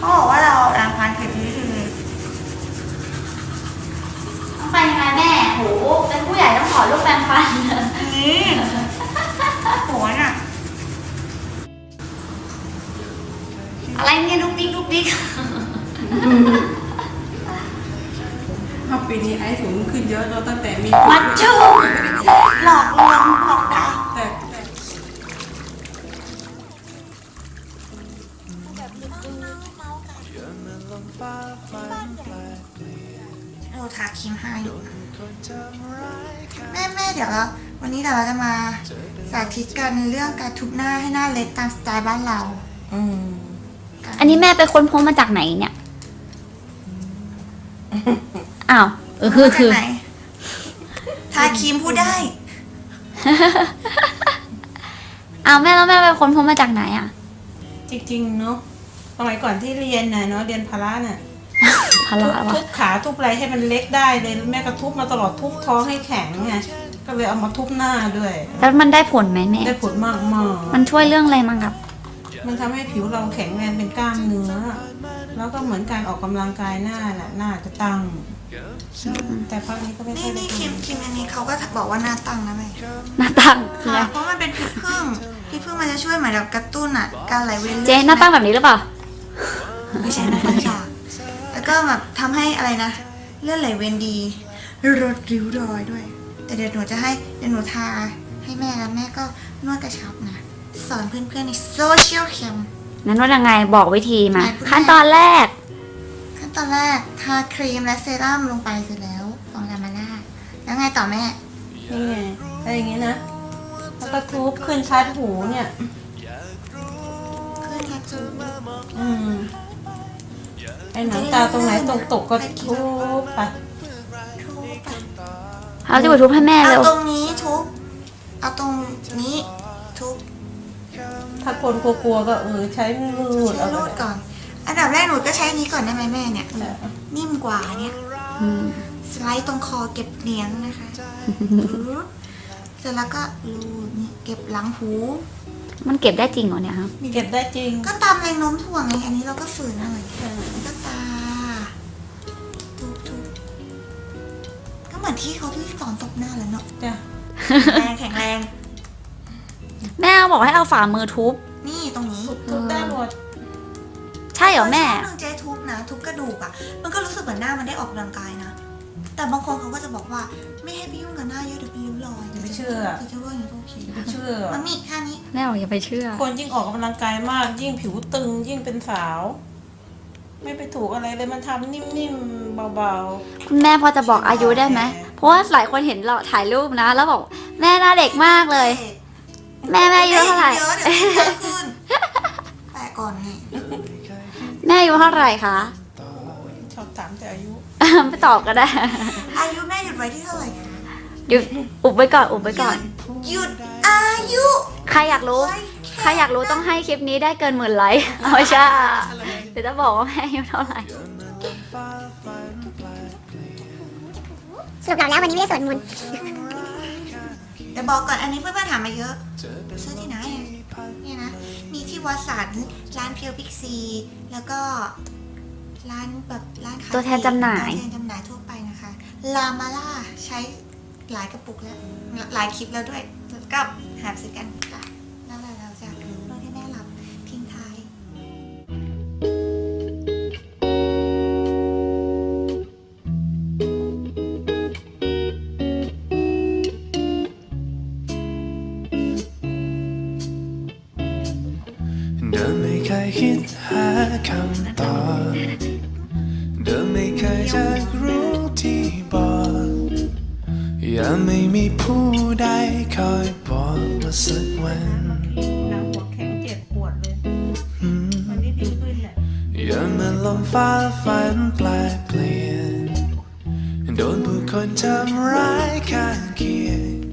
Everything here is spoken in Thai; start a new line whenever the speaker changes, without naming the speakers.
เขาบอกว่าเราแรงฟันเข็มนี้ที
ต้องไปยังไงแม่โหเป็นผู้ใหญ่ต้องถอดลูกแปรงฟัน
นี่โหน่ะ
อะไรเนี่ยดุ๊กดิ๊กดุ๊กดิ๊ก
ปีนี้ไอ้ถุงขึ้นเยอะเราตั้งแต่มี
มัดจูหลอกลวงหลอกดาว
แต่
เราทาครีมให้แม่เดี๋ยวเราวันนี้เราจะมาสาธิตกันเรื่องการทุบหน้าให้หน้าเล็กตามสไตล์บ้านเรา
อันนี้แม่ไปค้นพบมาจากไหนเนี่ยอ้าวคือ
ทาครีมพูดได้
อ้าวแม่แล้วแม่ไปค้นพบมาจากไหนอ่ะ
จริงๆเนาะสมัยก่อนที่เรียนน่ะเนาะเรียนพละน่ะ
พละ
ทุบขาทุบอะไรให้มันเล็กได้เลยแม่ก็ทุบมาตลอดทุบท้องให้แข็งไงก็เลยเอามาทุบหน้าด้วย
แล้วมันได้ผลไหมแม่
ได้ผลมาก
มันช่วยเรื่องอะไรมั้งครับ
มันทำให้ผิวเราแข็งแรงเป็นกล้ามเนื้อแล้วก็เหมือนการออกกำลังกายหน้าน่ะหน้าจะตั้งแต่พักนี้ก็ไม่ค่อยได้
นี่ครีมอันนี้เขาก็บอกว่าหน้าตั้งนะแม่
หน้าตั้งคืออะไร
เพราะมันเป็นพิษผึ้งมันจะช่วยเหมือนแบบกระตุ้นอ่ะการไหลเวียน
เจ๊หน้าตั้งแบบนี้หรือเปล่า
ไม่ใช่หน้าตั้งฉากแล้วก็แบบทำให้อะไรนะเลือดไหลเวียนดีลดริ้วรอยด้วยแต่เดี๋ยวหนูทาให้แม่แล้วแม่ก็นวดกระชับนะสอนเพื่อนๆในโซเชียลแคม
นั้นว่ายังไงบอกวิธีมาขั้นตอนแรก
ทาครีมและเซรั่มลงไปเสร็จแล้วฟองลามาล่าแล้วไงต่อแม่
นี่ไงอะไรอย่างงี้นะแล้วก็ทุบขึ้นชัดหูเนี่ย
ขึ้นชัดหู
ไอ้หนังตาตรงไหนตกก็ทุบไป
เอาที่ทุบให้แม่เร็ว
เอาตรงนี้ทุบเอาตรงนี้ทุบ
ถ้าคนกลัวก็ใช้รูดเอา
ก่อนอันดับแรกหนูก็ใช้นี้ก่อนได้ไหมแม่เนี่ยนิ่มกว่าเนี่ยสไลด์ตรงคอเก็บเลี้ยงนะคะเสร็จแล้วก็รูดนี่เก็บหลังหู
มันเก็บได้จริงเหรอเนี่ยครับ
เก็บได้จริง
ก็ตามแรงโน้มถ่วงไงอันนี้เราก็ฝืนหน่อยก็ตาทุบก็เหมือนที่เขาที่สอนตบหน้าแล้วเนาะ
จ้ะ
แข็งแรง
แม่บอกให้เอาฝ่ามือทุบ
นี่ตรงนี้
ทุบได้หมด
ใช่เหรอแม่
เจ๊ทุบนะทุบกระดูกอ่ะมันก็รู้สึกเหมือนหน้ามันได้ออกกำลังกายนะแต่บางคนเขาก็จะบอกว่าไม่ให้ไปยุ่งกับหน้าเยอะเดี๋ยวเป็นริ้วรอย
ไม่เชื่อ
จะว่าอย่างนี้ก็โอเค
ไม่เชื่อ
มันมีแค่นี้
แม่บอกอย่าไปเชื่อ
คนยิ่งออกกำลังกายมากยิ่งผิวตึงยิ่งเป็นสาวไม่ไปถูกอะไรเลยมันทำนิ่มๆเบา
ๆคุณแม่พอจะบอกอายุได้ไหมเพราะว่าหลายคนเห็นเราถ่ายรูปนะแล้วบอกแม่หน้าเด็กมากเลยแม่อายุเท่าไหร่
แต่ก่อนนี่
แม่อายุเท่าไหร่คะ
ชอบถามแต่อายุ
ไม่ตอบก็ได้
อายุแม่หยุดไว้ที่เท่าไหร่คะ
หยุดอุบไว้ก่อน
หยุดอายุ
ใครอยากรู้ต้องให้คลิปนี้ได้เกิน10,000 ไลค์เอาใช่เดี๋ยวจะบอกว่าแม่อายุเท่าไหร่
สรุปแล้ววันนี้ไม่ได้สวดมนต์
แต่บอกก่อนอันนี้เพื่อนๆถามมาเยอะซื้อที่ไหนเนี่ยนะมีที่วัดสันร้านเพียวพิกซีแล้วก็ร้านขาย
ตัวแทนจำหน่าย
ทั่วไปนะคะลามาล่าใช้หลายกระปุกแล้วหลายคลิปแล้วด้วยก็หาซื้อกันค่ะแล้วเราจะนวดให้แม่หลับทิ้งท้าย
เดิมไม่เคยคิดหาคำตอบเดิมไม่เคยจะรู้ที่บอกยังไม่มีผู้ใดคอยบอกว่าสักวัน
หัวแข็งเจ็บปวดเลยวันนี้ดีขึ้นแหละ
ยังมันลมฟ้าฝันแปลเปลี่ยนโดนผู้คนทำร้ายข้างเคียง